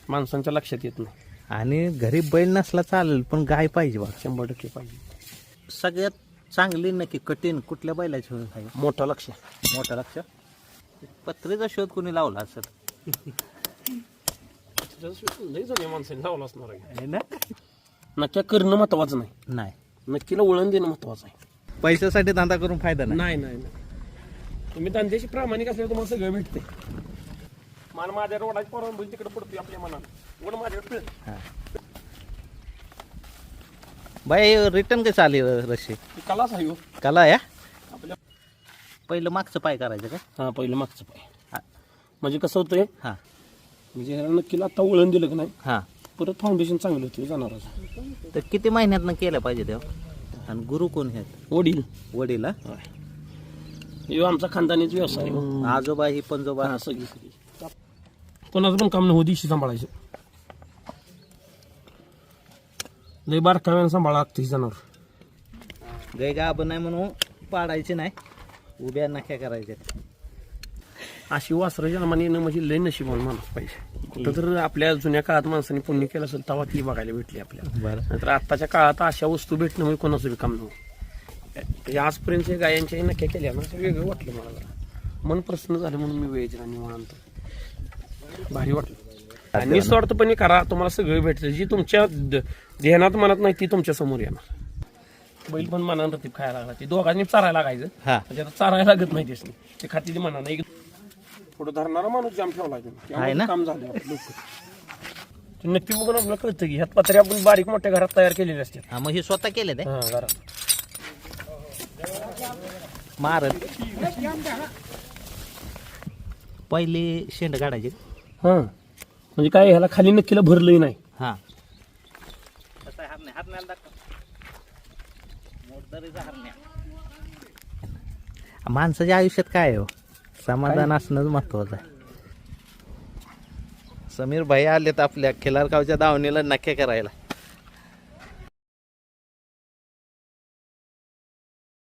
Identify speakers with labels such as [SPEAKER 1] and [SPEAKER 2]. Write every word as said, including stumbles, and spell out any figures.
[SPEAKER 1] माणसांच्या लक्षात येत नाही.
[SPEAKER 2] आणि घरी बैल नसला चालेल पण गाय पाहिजे बघा.
[SPEAKER 1] शंभर टक्के पाहिजे.
[SPEAKER 2] सगळ्यात चांगली नक्की कठीण कुठल्या बैलाची आहे?
[SPEAKER 1] मोठं लक्ष.
[SPEAKER 2] मोठं लक्ष. पत्रेचा शोध कोणी लावला असेल?
[SPEAKER 1] लई जण माणसाने लावला असणार आहे
[SPEAKER 2] ना.
[SPEAKER 1] नक्की करणं महत्वाचं नाही,
[SPEAKER 2] नाही,
[SPEAKER 1] नक्कीला वळण देणं महत्वाचं आहे.
[SPEAKER 2] पैशासाठी धंदा करून फायदा नाही.
[SPEAKER 1] नाही नाही नाही तुम्ही धंद्याशी प्रामाणिक असल्यावर तुम्हाला सगळं भेटते. मला माझ्या रोडाची परवानगी तिकडे पडतोय आपल्या मनाला, वड माझ्याकडे
[SPEAKER 2] हा. बाई रिटर्न कसं आली रशी?
[SPEAKER 1] कलाच आहे हो
[SPEAKER 2] कला या.
[SPEAKER 1] आपल्या.
[SPEAKER 2] पहिलं मागचं पाय करायचं का?
[SPEAKER 1] हा पहिलं मागचं पाय. म्हणजे कसं होतंय,
[SPEAKER 2] हा
[SPEAKER 1] म्हणजे ह्याला नक्कीला आता वळण दिलं की नाही,
[SPEAKER 2] हा.
[SPEAKER 1] परत फाउंडेशन चांगलं होतं जनावराचं.
[SPEAKER 2] तर किती महिन्यातनं केलं पाहिजे तेव्हा? आणि गुरु कोण आहेत?
[SPEAKER 1] वडील.
[SPEAKER 2] वडील.
[SPEAKER 1] हे आमचा खानदानीच व्यवसाय आहे.
[SPEAKER 2] आजोबा ही पंजोबा.
[SPEAKER 1] हा सगळी सगळी कोणाचं पण काम नाही हो, दिवशी सांभाळायचं. लय बारकाव्यानं सांभाळा लागतं ही जनावर.
[SPEAKER 2] गाय गाब नाही म्हणून पाडायची नाही, उभ्या नख्या करायच्या.
[SPEAKER 1] अशी वासरं जन्माने येणं म्हणजे लय नशिबान माणूस पाहिजे. कुठं तर आपल्या जुन्या काळात माणसाने पुण्य केलं असेल तेव्हा ती बघायला भेटली आपल्याला.
[SPEAKER 2] बरं.
[SPEAKER 1] नंतर आत्ताच्या काळात अशा वस्तू भेटणं म्हणजे कोणाचं बी काम नव्हतं. आजपर्यंत गायांच्या नक्या केल्या ना, असं वेगळं वाटलं मला. जरा मन प्रसन्न झालं म्हणून मी वेळ जरा निवांत भारी वाटलं. निस्वार्थपणे करा, तुम्हाला सगळं भेटतं. जी तुमच्या ध्यानात मनात नाही ती तुमच्या समोर येणार. बैल पण मनानं रतीब खायला लागला, ते दोघांनी चारायला लागायचं.
[SPEAKER 2] हा.
[SPEAKER 1] म्हणजे आता चारायला लागत नाही त्यासनी, ते खाती मना नाही. पुढे धरणारा माणूस जाम ठेवला
[SPEAKER 2] आहे ना?
[SPEAKER 1] काम झालं लोक नक्की बघून आपल्याला कळतं की ह्यात पत्रे आपण बारीक मोठ्या घरात तयार केलेले असतात.
[SPEAKER 2] हा, मग हे स्वतः केले ते
[SPEAKER 1] हा घरात
[SPEAKER 2] मारत पहिली शेंड काढायची.
[SPEAKER 1] हा म्हणजे काय ह्याला खाली नक्कीला भरलंही नाही.
[SPEAKER 2] हा. माणसाच्या आयुष्यात काय आहे हो? समाधान असणंच महत्वाचं आहे. समीर भाई आलेत आपल्या खिलारगावच्या दावणीला नक्की करायला.